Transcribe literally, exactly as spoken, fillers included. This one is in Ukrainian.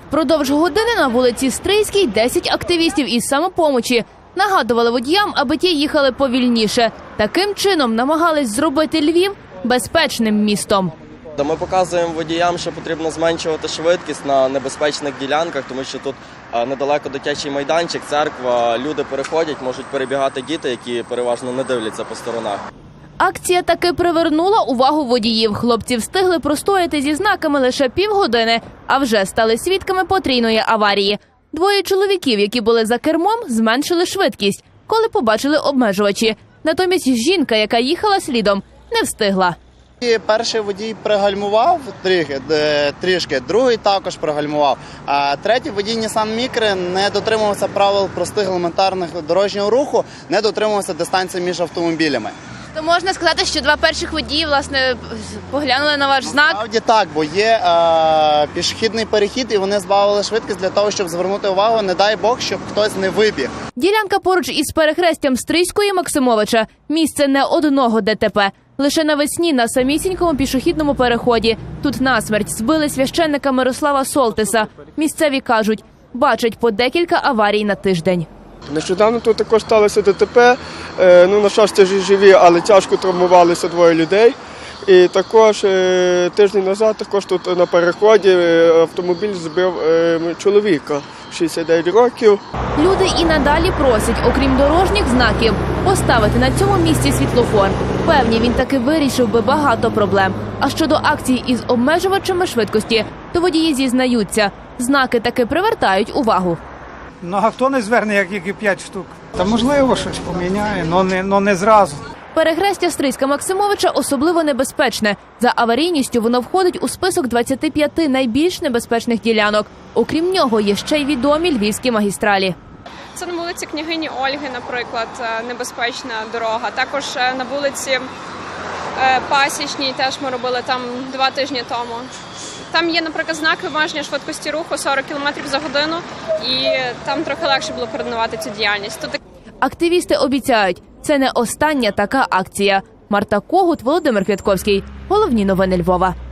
Впродовж години на вулиці Стрийській десять активістів із самопомочі нагадували водіям, аби ті їхали повільніше. Таким чином намагались зробити Львів безпечним містом. Ми показуємо водіям, що потрібно зменшувати швидкість на небезпечних ділянках, тому що тут недалеко дитячий майданчик, церква, люди переходять, можуть перебігати діти, які переважно не дивляться по сторонах. Акція таки привернула увагу водіїв. Хлопці встигли простояти зі знаками лише півгодини, а вже стали свідками потрійної аварії. Двоє чоловіків, які були за кермом, зменшили швидкість, коли побачили обмежувачі. Натомість жінка, яка їхала слідом, не встигла. Перший водій пригальмував трішки, трішки, другий також пригальмував. А третій водій Nissan Micra не дотримувався правил простих елементарних дорожнього руху, не дотримувався дистанції між автомобілями. То можна сказати, що два перших водії, власне, поглянули на ваш знак? Насправді так, бо є е, пішохідний перехід, і вони збавили швидкість для того, щоб звернути увагу, не дай Бог, щоб хтось не вибіг. Ділянка поруч із перехрестям Стрийської Максимовича – місце не одного ДТП. Лише навесні на самісінькому пішохідному переході тут насмерть збили священника Мирослава Солтиса. Місцеві кажуть, бачать по декілька аварій на тиждень. Нещодавно тут також сталося ДТП, ну, на щастя, живі, але тяжко травмувалися двоє людей. І також тиждень назад також тут на переході автомобіль збив чоловіка шістдесят дев'ять років. Люди і надалі просять, окрім дорожніх знаків, поставити на цьому місці світлофор. Певні, він таки вирішив би багато проблем. А щодо акцій із обмежувачами швидкості, то водії зізнаються, знаки таки привертають увагу. Ну, а хто не зверне, як і п'ять штук? Та можливо щось поміняє, але не, но не зразу. Перехрестя Стрийська Максимовича особливо небезпечне. За аварійністю воно входить у список двадцяти п'яти найбільш небезпечних ділянок. Окрім нього, є ще й відомі львівські магістралі. Це на вулиці Княгині Ольги, наприклад, небезпечна дорога. Також на вулиці Пасічній теж ми робили там два тижні тому. Там є, наприклад, знак обмеження швидкості руху сорок кілометрів за годину, і там трохи легше було координувати цю діяльність. Тут... Активісти обіцяють, це не остання така акція. Марта Когут, Володимир Квятковський. Головні новини Львова.